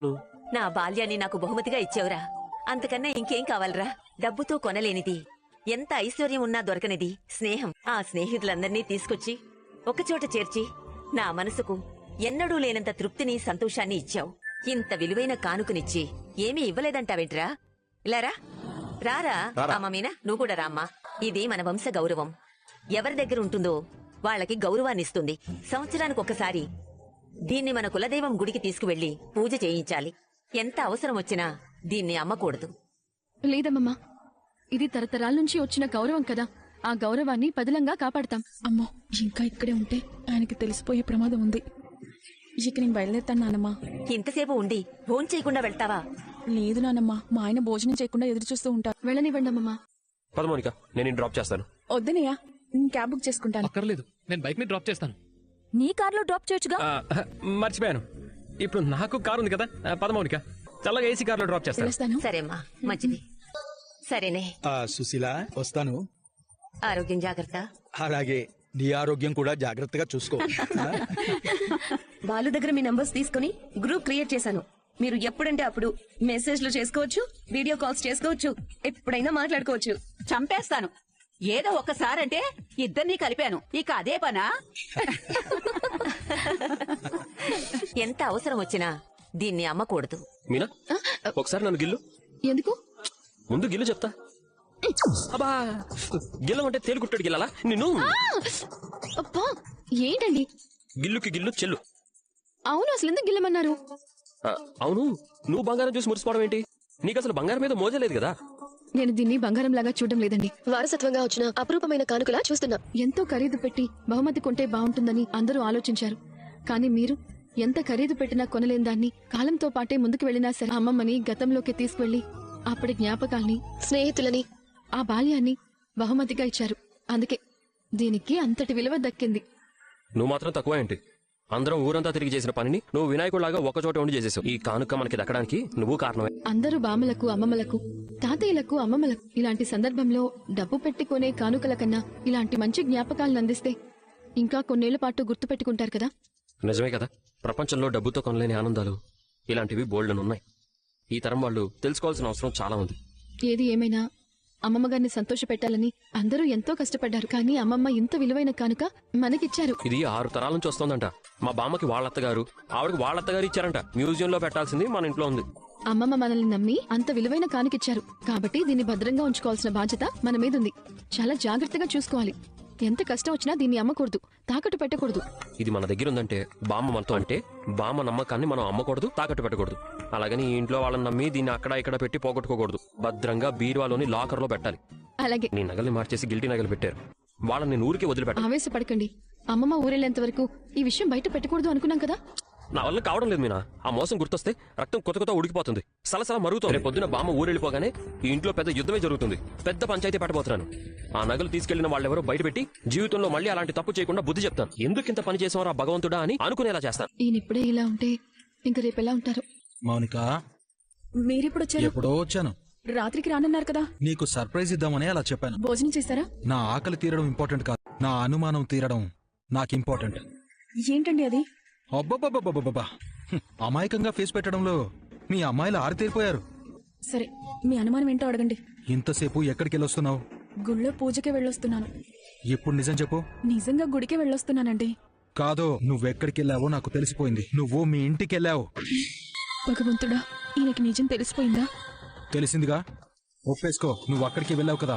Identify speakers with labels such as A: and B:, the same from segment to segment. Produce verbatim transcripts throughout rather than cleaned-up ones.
A: నా బాల్యాన్ని నాకు బహుమతిగా ఇచ్చావురా. అంతకన్నా ఇంకేం కావాలరా? డబ్బుతో కొనలేనిది, ఎంత ఐశ్వర్యం ఉన్నా దొరకనిది స్నేహం. ఆ స్నేహితులందర్నీ తీసుకొచ్చి ఒకచోట చేర్చి నా మనసుకు ఎన్నడూ లేనంత తృప్తిని, సంతోషాన్ని ఇచ్చావు. ఇంత విలువైన కానుకనిచ్చి ఏమీ ఇవ్వలేదంటావేంట్రా? ఇలారా రారా. అమ్మ మీనా, నువ్వు కూడా రామ్మా. ఇది మన వంశ గౌరవం. ఎవరి దగ్గర ఉంటుందో వాళ్ళకి గౌరవాన్నిస్తుంది. సంవత్సరానికి ఒకసారి దీన్ని మన కులదైవం గుడికి తీసుకువెళ్లి పూజ చేయించాలి. ఎంత అవసరం వచ్చినా దీన్ని అమ్మకూడదు.
B: లేదమ్మమ్మా, ఇది తరతరాల నుంచి వచ్చిన గౌరవం కదా. ఆ గౌరవాన్ని పదిలంగా కాపాడతాం.
C: అమ్మో, ఇంకా ఇక్కడే ఉంటే ఆయనకి తెలిసిపోయే ప్రమాదం ఉంది. ఇక నేను బయలుదేరుతాను నానమ్మా.
A: ఇంతసేపు ఉండి భోజనం చేయకుండా వెళ్తావా?
C: లేదు నానమ్మా, మా ఆయన భోజనం చేయకుండా ఎదురు చూస్తూ ఉంటారు.
B: వెళ్ళనివ్వండి అమ్మమ్మా.
D: పద మౌనిక, నేను డ్రాప్ చేస్తాను.
C: వద్దనయ్యా, నేను క్యాబ్ బుక్ చేసుకుంటాను.
E: అక్కర్లేదు, నేను బైక్ ని డ్రాప్ చేస్తాను.
B: నీ కార్లో డ్రాప్ చేయొచ్చుగా.
D: మర్చిపోయాను, ఇప్పుడు నాకు కారు ఉంది కదా. పద మౌనిక, చల్లగా ఏసీ కార్లో డ్రాప్ చేస్తాను.
A: సరేమ్మా, మంచిది. సరేనే
F: సుశీల, వస్తాను.
A: ఆరోగ్యం జాగ్రత్త.
F: అలాగే, నీ ఆరోగ్యం కూడా జాగ్రత్తగా చూసుకో.
G: బాలు దగ్గర మీ నంబర్స్ తీసుకుని గ్రూప్ క్రియేట్ చేశాను. మీరు ఎప్పుడంటే అప్పుడు మెసేజ్లు చేసుకోవచ్చు, వీడియో కాల్స్ చేసుకోవచ్చు, ఎప్పుడైనా మాట్లాడుకోవచ్చు.
H: చంపేస్తాను. ఏదో ఒక్కసారంటే ఇద్దరినీ కలిపాను, ఇక అదే పనా?
A: ఎంత అవసరం వచ్చినా దీన్ని అమ్మకూడదు.
D: మీనా, ఒకసారి నన్ను గిల్లు.
B: ఎందుకు?
D: ముందు గిల్లు చెప్తా. అబ్బా, గిల్లం అంటే తేలికుట్టాడు గిల్లాలా నిన్ను?
B: అబ్బా, ఏంటండి?
D: గిల్లుకి గిల్లు చెల్లు.
B: అవును, అసలు ఎందుకు గిల్లమన్నారు?
D: అవును, నువ్వు బంగారం చూసి మురిసిపోవడం ఏంటి? నీకు అసలు బంగారం మీద మోజలేదు కదా.
B: నేను దీన్ని బంగారం లాగా చూడడం లేదండి.
I: వారసత్వంగా వచ్చిన అపురూపమైన కానుకలా చూస్తున్నా.
B: ఎంతో ఖరీదు పెట్టి బహుమతి కొంటే బాగుంటుందని అందరూ ఆలోచించారు. కానీ మీరు ఎంత ఖరీదు పెట్టినా కొనలేని దాన్ని కాలంతో పాటే ముందుకు వెళ్లినా సరే అమ్మమ్మని గతంలోకి తీసుకువెళ్లి అప్పటి జ్ఞాపకాల్ని,
I: స్నేహితులని,
B: ఆ బాల్యాన్ని బహుమతిగా ఇచ్చారు. అందుకే దీనికి అంతటి విలువ దక్కింది.
D: నువ్వు మాత్రం తక్కువ ఏంటి? అందరం ఊరంతా తిరిగి చేసిన పనిని నువ్వు వినాయకుడిలాగా ఒకచోట ఉండి చేసేసావు. ఈ కానుక మనకి దక్కడానికి నువ్వు కారణమే.
B: అందరూ బామ్మలకు, అమ్మమ్మలకు, తాతయ్యలకు, అమ్మమ్మలకు ఇలాంటి సందర్భంలో డబ్బు పెట్టుకునే కానుకల కన్నా ఇలాంటి మంచి జ్ఞాపకాలను అందిస్తే ఇంకా కొన్నేళ్ల పాటు గుర్తు పెట్టుకుంటారు కదా.
D: నిజమే కదా, ప్రపంచంలో డబ్బుతో కొనలేని ఆనందాలు ఇలాంటివి బోల్డెనున్నాయి. ఈ తరం వాళ్ళు తెలుసుకోవాల్సిన అవసరం చాలా ఉంది.
B: ఏది ఏమైనా అమ్మమ్మ గారిని సంతోష పెట్టాలని అందరూ ఎంతో కష్టపడ్డారు. కానీ అమ్మమ్మ ఇంత విలువైన కానుక మనకిచ్చారు.
D: ఇది ఆరు తరాల నుంచి వస్తోందంట. మా బామ్మకి వాళ్ళత్తగారు, ఆవిడకి వాళ్ళత్తగారు ఇచ్చారంట. మ్యూజియం లో పెట్టాల్సింది మన ఇంట్లో ఉంది.
B: అమ్మమ్మ మనల్ని నమ్మి అంత విలువైన కానుకిచ్చారు కాబట్టి దీన్ని భద్రంగా ఉంచుకోవాల్సిన బాధ్యత మన మీద ఉంది. చాలా జాగ్రత్తగా చూసుకోవాలి. ఎంత కష్టం వచ్చినా దీన్ని అమ్మకూడదు, తాకట్టు పెట్టకూడదు.
D: ఇది మన దగ్గర ఉందంటే బామ్మ మనతో అంటే బామ్మ నమ్మకాన్ని మనం అమ్మకూడదు, తాకట్టు పెట్టకూడదు. అలాగని ఈ ఇంట్లో వాళ్ళని నమ్మి దీన్ని అక్కడ ఇక్కడ పెట్టి పోగొట్టుకోకూడదు. భద్రంగా బీరువాలోని లాకర్ లో పెట్టాలి.
B: అలాగే.
D: నీ నగల్ని మార్చేసి గిల్టీ నగలు పెట్టారు, వాళ్ళని నేను ఊరికి వదిలిపెట్టాలి.
B: ఆవేశపడకండి. అమ్మమ్మ ఊరెళ్లేంత వరకు ఈ విషయం బయట పెట్టకూడదు అనుకున్నాం కదా.
D: నా వల్ల కావడం లేదు మీనా. ఆ మోసం గుర్తొస్తే రక్తం కొత్త కొత్త ఉడికిపోతుంది, సలసల మరుగుతుంది. రేపు పొద్దున బామ్మ ఊరెళ్ళిపోగానే ఈ ఇంట్లో పెద్ద యుద్ధమే జరుగుతుంది. పెద్ద పంచాయతీ పెట్టబోతున్నాను. ఆ నగలు తీసుకెళ్లిన వాళ్ళెవరో బయట పెట్టి జీవితంలో మళ్ళీ అలాంటి తప్పు చేయకుండా బుద్ధి చెప్తాను. ఎందుకు ఇంత పని చేసేవారా భగవంతుడా అని అనుకునేలా చేస్తాను.
B: ఈయన ఇప్పుడే ఇలా ఉంటే ఇంక రేపు ఎలా ఉంటారు?
F: మౌనిక,
C: మీరెప్పుడు వచ్చారు?
F: ఎప్పుడో వచ్చాను.
C: రాత్రికి రానన్నారు కదా.
F: నీకు సర్ప్రైజ్ ఇద్దామని అలా చెప్పాను.
C: భోజనం చేశారా?
F: నా ఆకలి తీరడం ఇంపార్టెంట్ కాదు, నా అనుమానం తీరడం నాకు ఇంపార్టెంట్.
C: ఏంటండి అది?
F: అబ్బబ్బబ్బబ్బబ్బా, అమాయకంగా ఫేస్ పెట్టడంలో మీ అమ్మాయిలు ఆరితేరిపోయారు.
C: సరే, మీ అనుమానం ఏంటో అడగండి.
F: ఇంతసేపు ఎక్కడికి వెళ్ళొస్తున్నావు?
C: గుళ్ళో పూజకే వెళ్ళొస్తున్నాను.
F: ఇప్పుడు నిజం చెప్పు.
C: నిజంగా గుడికే వెళ్ళొస్తున్నానండి.
F: కాదో, నువ్వెక్కడికి వెళ్ళావో నాకు తెలిసిపోయింది. నువ్వు మీ ఇంటికి వెళ్ళావు.
C: భగవంతుడా, ఈయనకి నిజం తెలిసిపోయిందా?
F: తెలిసిందిగా, ఒప్పేసుకో. నువ్వు అక్కడికి వెళ్ళావు కదా.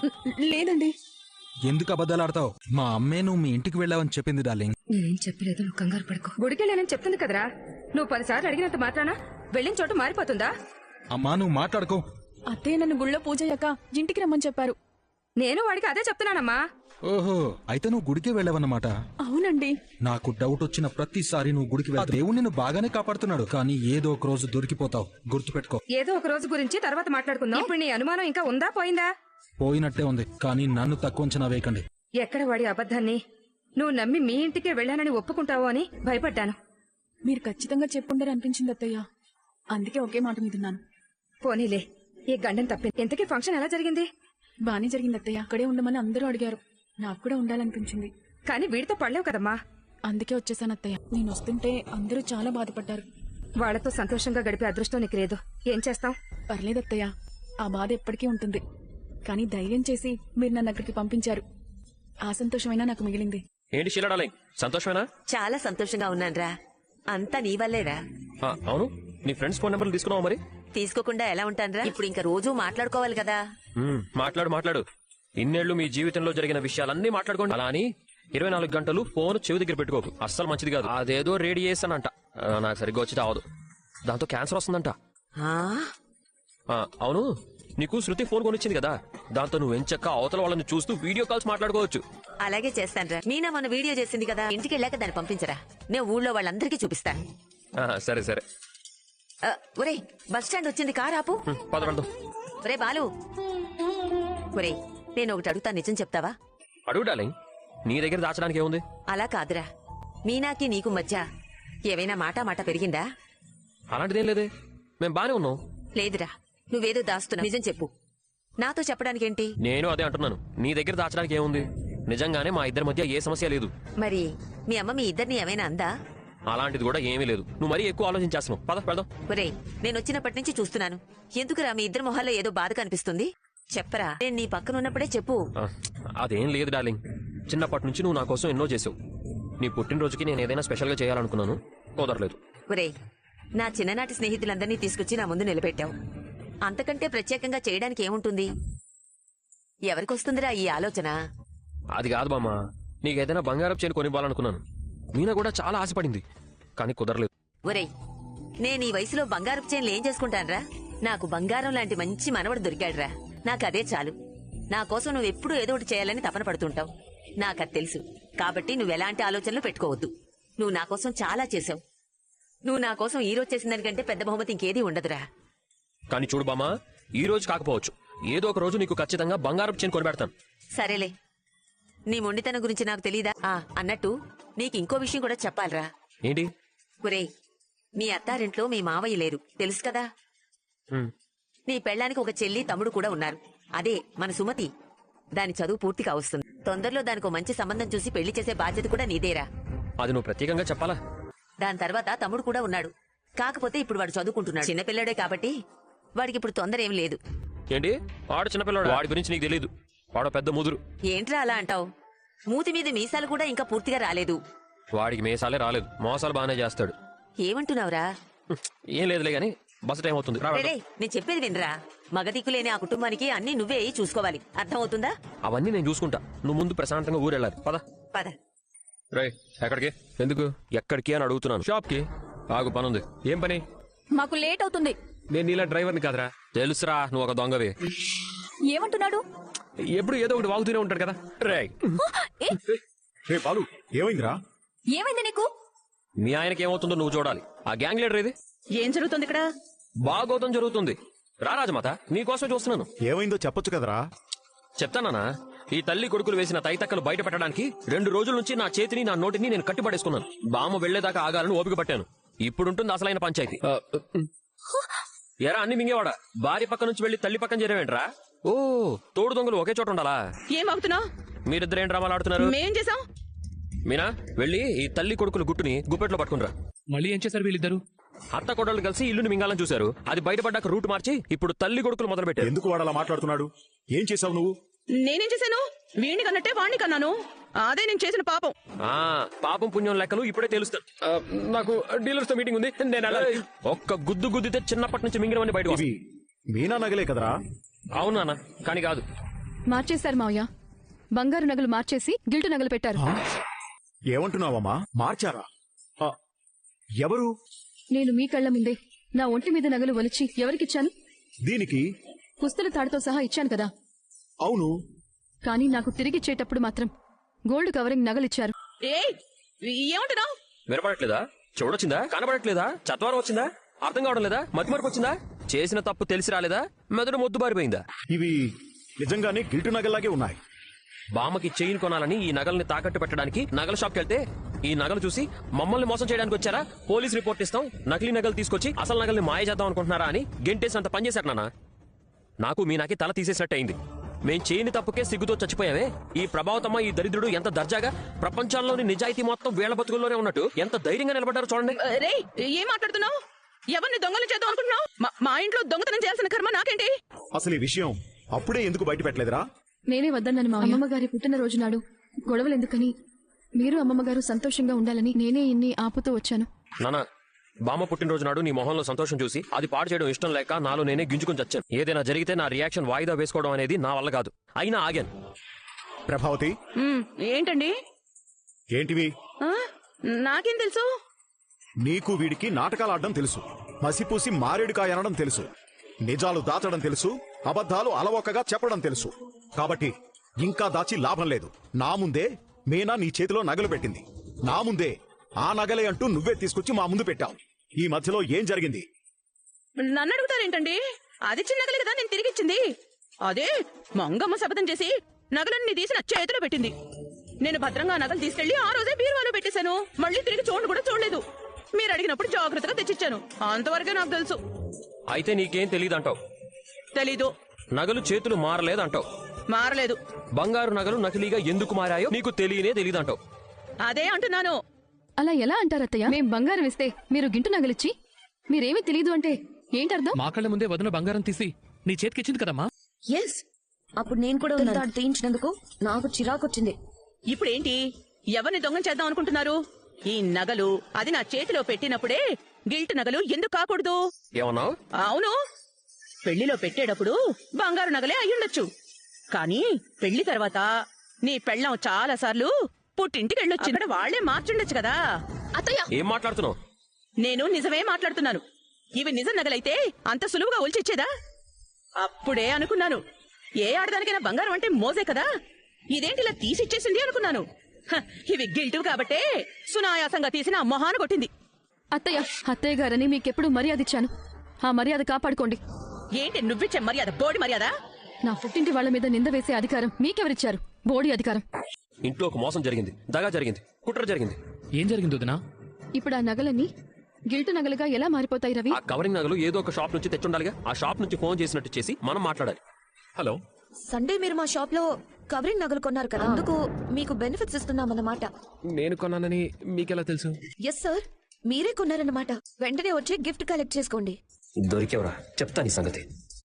C: లేదండి.
F: ఎందుకు అబద్ధాలు ఆడతావు? మా అమ్మే నువ్వు మీ ఇంటికి వెళ్ళావని చెప్పింది డార్లింగ్.
B: నేనేం చెప్పలేదు, నువ్వు కంగారు పడుకో.
H: గుడికెళ్ళానని చెప్తుంది కదరా. నువ్వు పదిసార్లు అడిగినంత మాత్రాన వెళ్ళిన చోటు మారిపోతుందా?
F: అమ్మా, నువ్వు మాట్లాడుకో.
C: అత్తయ్య నన్ను గుళ్ళో పూజ అయ్యాక ఇంటికి రమ్మని చెప్పారు.
H: నేను వాడికి అదే చెప్తున్నానమ్మా.
F: ఓహో, అయితే నువ్వు గుడికే వెళ్ళావన్నమాట.
C: అవునండి.
F: నాకు డౌట్ వచ్చిన ప్రతిసారి నువ్వు గుడికి వెళ్తావు. దేవుడు నిన్ను బాగానే కాపాడుతున్నాడు, కానీ ఏదో ఒక రోజు దొరికిపోతావు. గుర్తుపెట్టుకో.
H: ఏదో ఒక రోజు గురించి తర్వాత మాట్లాడుకుందాం. ఇప్పుడు నీ అనుమానం ఇంకా ఉందా, పోయిందా?
F: పోయినట్టే ఉంది, కానీ నన్ను తక్కువ అంచనా వేయకండి.
H: ఎక్కడ వాడి అబద్ధాన్ని నువ్వు నమ్మి మీ ఇంటికే వెళ్ళానని ఒప్పుకుంటావో అని భయపడ్డాను.
C: మీరు ఖచ్చితంగా చెప్పుండరు అనిపించింది అత్తయ్య, అందుకే ఒకే మాట మీదున్నాను.
H: పోనీలే, ఈ గండం తప్పింది. ఇంతకీ ఫంక్షన్ ఎలా జరిగింది?
C: బానే జరిగింది అత్తయ్య. అక్కడే ఉండమని అందరూ అడిగారు, నాకు కూడా ఉండాలనిపించింది.
H: కానీ వీడితో పడలేవు కదమ్మా.
C: అందుకే వచ్చేసాను అత్తయ్య. నేను వస్తుంటే అందరూ చాలా బాధపడ్డారు.
H: వాళ్లతో సంతోషంగా గడిపే అదృష్టం నీకు లేదు. ఏం చేస్తాం?
C: పర్లేదత్తయ్య, ఆ బాధ ఎప్పటికీ ఉంటుంది. కానీ ధైర్యం చేసి మీరు నన్ను అక్కడికి పంపించారు. ఆ సంతోషమైనా నాకు మిగిలింది.
D: ఏంటి షీలా డార్లింగ్, సంతోషమేనా?
A: చాలా సంతోషంగా ఉన్నానురా. అంతా నీ వల్లేరా.
D: ఆ, అవును, నీ ఫ్రెండ్స్ ఫోన్ నెంబర్లు తీసుకున్నావా మరి?
A: తీసుకోకుండా ఎలా ఉంటానురా? ఇప్పుడు ఇంకా రోజూ మాట్లాడుకోవాలి కదా.
D: మ్మ్, మాట్లాడు మాట్లాడు. ఇన్నేళ్లు మీ జీవితంలో జరిగిన విషయాలన్నీ మాట్లాడుకోండి. అలా అని ఇరవై నాలుగు గంటలు ఫోన్ చెవి దగ్గర పెట్టుకోకు, అస్సలు మంచిది కాదు. అదేదో రేడియేషన్ అంట, ఆ, నాకు సరిగ్గా వచ్చి రావదు. దాంతో క్యాన్సర్ వస్తుందంట.
A: ఆ
D: ఆ, అవును, నీకు శృతి ఫోన్ కొనిచ్చింది కదా, దాంతో నువ్వు ఎంచక్క అవతల వాళ్ళని చూస్తూ వీడియో కాల్స్ మాట్లాడుకోవచ్చు.
A: అలాగే చేస్తానురా. మీనా మన వీడియో చేసింది కదా, ఇంటికి వెళ్ళాక దాన్ని పంపించరా. నేను ఊళ్ళో వాళ్ళందరికీ చూపిస్తాను.
D: ఆ, సరే సరే.
A: ఆ, ఒరే బస్ స్టాండ్ వచ్చింది, కార్ ఆపు.
D: మ్మ్, పద వెళ్దాం.
A: ఒరే బాలు, ఒరే నేను ఒకటి అడుగుతా, నిజం చెప్తావా?
D: అడుగు డార్లింగ్, నీ దగ్గర దాచడానికి ఏముంది?
A: అలా కాదురా, మీనాకి నీకు మధ్య ఏవైనా మాట మాట పెరిగిందా?
D: అలాంటిదేం లేదే, మేం బానే ఉన్నాం.
A: లేదురా, నువ్వేదో దాస్తున్నా. నిజం చెప్పు. నాతో చెప్పడానికేంటి?
D: నేను అదే అంటున్నాను, నీ దగ్గర దాచడానికి ఏముంది? నిజంగానే మా ఇద్దరి మధ్య ఏ సమస్య లేదు.
A: మరి మీ అమ్మ మీ ఇద్దరిని ఏమైనా అందా?
D: అలాంటిది కూడా ఏమీ లేదు. నువ్వు మరీ ఎక్కువ ఆలోచించేస్తున్నావు. పద వెళ్దాం.
A: ఒరేయ్, నేను వచ్చినప్పటి నుంచి చూస్తున్నాను. ఎందుకురా మీ ఇద్దరి మొహాల్లో ఏదో బాధ కనిపిస్తుంది? చెప్పరా, నేను నీ పక్కన ఉన్నప్పుడే చెప్పు.
D: ఆ, అదేం లేదు డార్లింగ్, చిన్నప్పటి నుంచి నువ్వు నా కోసం ఎన్నో చేసావు. నీ పుట్టినరోజుకి నేను ఏదైనా స్పెషల్ గా చేయాలనుకున్నాను, కుదరలేదు.
A: ఒరేయ్, నా చిన్ననాటి స్నేహితులందరినీ తీసుకొచ్చి నా ముందు నిలబెట్టావు. అంతకంటే ప్రత్యేకంగా చేయడానికి ఏముంటుంది? ఎవరికొస్తుందిరా ఈ ఆలోచన?
D: అది కాదు బామ్మ, నీకేదైనా బంగారం చేయని కొనివ్వాలనుకున్నాను. మీనా కూడా చాలా ఆశపడింది, కానీ కుదరలేదు.
A: ఒరేయ్, నేను ఈ వయసులో బంగారపు చైన్లు ఏం చేసుకుంటానురా? నాకు బంగారం లాంటి మంచి మనవడు దొరికాడురా. నాకదే చాలు. నా కోసం నువ్వు ఎప్పుడూ ఏదో ఒకటి చేయాలని తపన పడుతుంటావు, నాకది తెలుసు. కాబట్టి నువ్వెలాంటి ఆలోచనలు పెట్టుకోవద్దు. నువ్వు నా కోసం చాలా చేసావు. నువ్వు నా కోసం ఈ రోజు చేసిన దానికంటే పెద్ద బహుమతి ఇంకేదీ ఉండదురా.
D: కానీ చూడు బామ్మ, ఈ రోజు కాకపోవచ్చు, ఏదో ఒక రోజు నీకు ఖచ్చితంగా బంగారం చేయని కొనిపెడతాను.
A: సరేలే, నీ మొండితనం గురించి నాకు తెలీదా? ఆ అన్నట్టు నీకు ఇంకో విషయం కూడా చెప్పాలిరా.
D: ఏంటి?
A: ఒరేయ్, మీ అత్తారింట్లో మీ మావయ్య లేరు, తెలుసు కదా?
D: హ్మ్.
A: నీ పెళ్ళానికి ఒక చెల్లి తమ్ముడు కూడా ఉన్నారు. అదే మన సుమతి. దాని చదువు పూర్తి కావస్తుంది. తొందరలో దానికి మంచి సంబంధం చూసి పెళ్లి చేసే బాధ్యత కూడా నీదేరా.
D: అది నువ్వు ప్రత్యేకంగా చెప్పాలా?
A: దాని తర్వాత తమ్ముడు కూడా ఉన్నాడు. కాకపోతే ఇప్పుడు వాడు చదువుకుంటున్నాడు. చిన్నపిల్లడే కాబట్టి వాడికి ఇప్పుడు తొందర ఏం లేదు.
D: ఏంటి? వాడు చిన్నపిల్లడు, వాడి గురించి నీకు తెలీదు. వాడు పెద్ద ముదురు.
A: ఏంట్రా అలా అంటావు? మూతి మీద మీసాలు కూడా ఇంకా పూర్తిగా రాలేదు.
D: వాడికి మేసాలే రాలేదు, మోసాలు బాగానే చేస్తాడు.
A: ఏమంటున్నావురా?
D: హ్మ్. ఏం లేదులే గాని బస్సు టైం అవుతుంది, రా వెళ్దాం.
A: రేయ్, నేను చెప్పేది వినరా. మగదిక్కు లేని ఆ కుటుంబానికి అన్ని నువ్వే చూసుకోవాలి, అర్థం అవుతుందా?
D: అవన్నీ నేను చూసుకుంటా, నువ్వు ముందు ప్రశాంతంగా ఊరెళ్ళాలి. పద
A: పద.
D: రే, ఎక్కడికి? ఎందుకు ఎక్కడికి అని అడుగుతున్నాను. షాప్ కి. ఆగు, పనుంది. ఏం పని?
C: మాకు లేట్ అవుతుంది.
D: నేను నీలా డ్రైవర్ని కాదురా. తెలుసురా, నువ్వు ఒక దొంగవి.
C: ఏమంటున్నాడు?
D: ఎప్పుడు ఏదో ఒకటి వాగుతూనే ఉంటాడు కదా. రే
J: రే బాలు, ఏమైందిరా?
C: ఏమైంది నీకు?
D: మీ ఆయనకి ఏమవుతుందో నువ్వు చూడాలి. ఆ గ్యాంగ్ లీడర్ ఇది.
G: ఏం జరుగుతుంది ఇక్కడ?
D: బాగోతం జరుగుతుంది. రా రాజమాత, నీకోసం చూస్తున్నాను.
J: ఏమైందో చెప్పొచ్చు కదరా?
D: చెప్తానా? ఈ తల్లి కొడుకులు వేసిన తైతక్కలు బయట పెట్టడానికి రెండు రోజుల నుంచి నా చేతిని నా నోటిని నేను కట్టిపడేసుకున్నాను. బామ్మ వెళ్లేదాకా ఆగాలని ఓపిక పట్టాను. ఇప్పుడుంటుంది అసలైన పంచాయతీ. ఎరా అన్ని మింగేవాడా? భార్య పక్క నుంచి వెళ్లి తల్లి పక్కన చేరేవేంట్రా? ఓ, తోడు దొంగలు ఒకే చోట ఉండాలా?
G: ఏం అవుతున్నావు?
D: మీరిద్దరేం డ్రామాలు ఆడుతున్నారు?
G: మేం చేసాం.
D: మీనా, వెళ్ళి ఈ తల్లి కొడుకుల గుట్టుని గుప్పెట్లో పట్టుకునిరా.
E: మళ్ళీ ఏం చేశారు వీళ్ళిద్దరు?
D: అత్త కొడలు కలిసి ఇల్లుని మింగాలని చూశారు. అది బయటపడ్డాక రూట్ మార్చి ఇప్పుడు తల్లి కొడుకులు మొదలు పెట్టారు.
J: ఎందుకు వాడు అలా మాట్లాడుతున్నాడు? ఏం చేసావు నువ్వు?
G: నేనేం చేశాను? వీణ్ణి కన్నట్టే వాణ్ణి కన్నాను. అదే నేను చేసిన పాపం.
D: ఆ పాపం పుణ్యం లెక్కలు ఇప్పుడే తెలుస్తాను. ఆ, నాకు డీలర్స్ తో మీటింగ్ ఉంది, నేను వెళ్ళాలి. ఒక్క గుద్దు గుద్దితే చిన్నప్పటి నుంచి మింగినవన్నీ బయట
J: ఇవి మీనా నగలే కదరా?
D: అవునా? కానీ కాదు.
B: మార్చేశారు మావయ్య. బంగారు నగలు మార్చేసి గిల్టు నగలు పెట్టారు.
J: ఏమంటున్నావమ్మా? మార్చారా? ఆ, ఎవరు?
B: నేను మీ కళ్ళ ముందే నా ఒంటి మీద నగలు ఒలిచి ఎవరికిచ్చాను?
J: దీనికి
B: పుస్తల తాడుతో సహా ఇచ్చాను కదా.
J: అవును.
B: కానీ నాకు తిరిగిచ్చేటప్పుడు మాత్రం గోల్డ్ కవరింగ్ నగలిచ్చారు.
G: ఏయ్, ఏమంటున్నావు?
D: వినపడట్లేదా? చూడొచ్చిందా? కనబడట్లేదా? చత్వారం వచ్చిందా? అర్థం కావడం లేదా? మతిమరుపు వచ్చిందా? చేసిన తప్పు తెలిసి రాలేదా? మెదడు మొద్దు బారిపోయిందా?
J: ఇవి నిజంగానే గిల్టు నగల్లాగే ఉన్నాయి.
D: బామ్మకి చైన్ కొనాలని ఈ నగల్ని తాకట్టు పెట్టడానికి నగల షాప్కి వెళ్తే ఈ నగలు చూసి మమ్మల్ని మోసం చేయడానికి వచ్చారా, పోలీస్ రిపోర్ట్ ఇస్తాం, నకిలీ నగలు తీసుకొచ్చి అసలు నగల్ని మాయ చేద్దాం అనుకుంటున్నారా అని గెంటేసినంత పనిచేశారు నాన్న. నాకు మీ నాకి తల తీసేసినట్టు అయింది. మేం చేయని తప్పుకే సిగ్గుతో చచ్చిపోయావే. ఈ ప్రభావతమ్మ, ఈ దరిద్రుడు ఎంత దర్జాగా ప్రపంచంలోని నిజాయితీ మొత్తం వీళ్ల బతుకుల్లోనే ఉన్నట్టు ఎంత ధైర్యంగా నిలబడ్డారో చూడండి.
G: రేయ్, ఏం మాట్లాడుతున్నావు?
C: ఎవరిని దొంగలు చేద్దాం అనుకుంటున్నావు? మా- మా ఇంట్లో దొంగతనం చేయాల్సిన కర్మ నాకేంటి?
J: అసలు ఈ విషయం అప్పుడే ఎందుకు బయట పెట్టలేదురా?
B: నేనే వద్దన్నాను మా అమ్మమ్మ గారి పుట్టినరోజు నాడు గొడవలు ఎందుకని, మీరు అమ్మమ్మ గారు సంతోషంగా ఉండాలని నేనే ఇన్ని ఆపుతూ వచ్చాను.
D: నానా, బామ్మ పుట్టినరోజు నాడు నీ మొహంలో సంతోషం చూసి అది పాడు చేయడం ఇష్టం లేక నాలో నేనే గింజుకొని చచ్చాను. ఏదైనా జరిగితే నా రియాక్షన్ వాయిదా వేసుకోవడం అనేది నా వల్ల కాదు. అయినా ఆగాను.
J: ప్రభావతి,
C: ఉమ్, ఏంటండి?
J: ఏంటివి?
C: ఆ? నాకేం తెలుసు?
J: నీకు వీడికి నాటకాలు ఆడడం తెలుసు, మసిపూసి మారేడుకాయ అనడం తెలుసు, నిజాలు దాచడం తెలుసు, అబద్ధాలు అలవోకగా చెప్పడం తెలుసు. కాబట్టి ఇంకా దాచి లాభం లేదు. నా ముందే మీనా నీ చేతిలో నగలు పెట్టింది. నా ముందే ఆ నగలే అంటూ నువ్వే తీసుకొచ్చి మా ముందు పెట్టావు. ఈ మధ్యలో ఏం జరిగింది?
C: నన్ను అడుగుతారేంటండి? అది చిన్న నగలు కదా నేను తిరిగిచ్చింది. అదే మంగమ్మ శపథం చేసి నగలన్నీ తీసి నా చేతిలో పెట్టింది. నేను భద్రంగా నగలు తీసుకెళ్లి ఆ రోజే బీరువాలో పెట్టేశాను. మళ్ళీ తిరిగి చూడండి కూడా చూడలేదు. మీరు అడిగినప్పుడు జాగ్రత్తగా తెచ్చిచ్చాను. అంతవరకే నాకు తెలుసు.
D: అయితే నీకేం తెలియదంటావు?
C: తెలీదు.
D: నగలు చేతులు మారలేదంటావు?
C: మారలేదు.
D: బంగారు నగలు నకిలీగా ఎందుకు మారాయో నీకు తెలియనే తెలియదంటావు?
C: అదే అంటున్నాను.
B: అలా ఎలా అంటారత్తయ్య? మేం బంగారం ఇస్తే మీరు గింటు నగలిచ్చి మీరేమీ తెలీదు అంటే ఏంటర్థం?
E: మా కళ్ళ ముందే వదిన బంగారం తీసి నీ చేతికిచ్చింది కదమ్మా.
G: ఎస్, అప్పుడు నేను కూడా తాడు తీయించినందుకు నాకు చిరాకొచ్చింది.
C: ఇప్పుడేంటి? ఎవరిని దొంగం చేద్దాం అనుకుంటున్నారు? ఈ నగలు అది నా చేతిలో పెట్టినప్పుడే గిల్ట్ నగలు ఎందుకు కాకూడదు?
D: ఏమన్నావు?
C: అవును, పెళ్లిలో పెట్టేటప్పుడు బంగారు నగలే అయ్యుండొచ్చు. కానీ పెళ్లి తర్వాత నీ పెళ్ళం చాలా సార్లు పుట్టింటికి వెళ్ళొచ్చు. ఇక్కడ వాళ్లే మార్చుండొచ్చు కదా.
I: అత్తయ్య,
D: ఏం మాట్లాడుతున్నావు?
C: నేను నిజమే మాట్లాడుతున్నాను. ఇవి నిజం నగలైతే అంత సులువుగా ఒలిచిచ్చేదా? అప్పుడే అనుకున్నాను, ఏ ఆడదానికైనా బంగారం అంటే మోజే కదా, ఇదేంటి ఇలా తీసిచ్చేసింది అనుకున్నాను. హ, ఇవి గిల్టు కాబట్టే సునాయాసంగా తీసిన ఆ మొహాన కొట్టింది.
B: అత్తయ్య, అత్తయ్య గారని మీకెప్పుడు మర్యాద ఇచ్చాను. ఆ మర్యాద కాపాడుకోండి.
C: ఏంటి నువ్విచ్చే మర్యాద? బోడి మర్యాద?
B: నా పుట్టింటి వాళ్ల మీద నింద వేసే అధికారం మీకెవరిచ్చారు? బోడి అధికారం.
D: ఇంట్లో ఒక మోసం జరిగింది, దగా జరిగింది, కుట్ర జరిగింది.
E: ఏం జరిగింది వదినా?
B: ఇప్పుడు ఆ నగలన్నీ గిల్టు నగలుగా ఎలా మారిపోతాయి రవి?
D: ఆ కవరింగ్ నగలు ఏదో ఒక షాప్ నుంచి తెచ్చుండాలిగా. ఆ షాప్ నుంచి ఫోన్ చేసినట్టు చేసి మనం మాట్లాడాలి.
E: హలో,
A: సండే మీరు మా షాప్ లో కవరింగ్ నగలు కొన్నారు కదా, అందుకు మీకు బెనిఫిట్స్ ఇస్తున్నామన్నమాట.
E: నేను కొన్నానని మీకెలా తెలుసు?
A: ఎస్ సార్, మీరే కొన్నారన్నమాట. వెంటనే వచ్చి గిఫ్ట్ కలెక్ట్ చేసుకోండి.
D: దొరికేవరా, చెప్తా నీ సంగతి.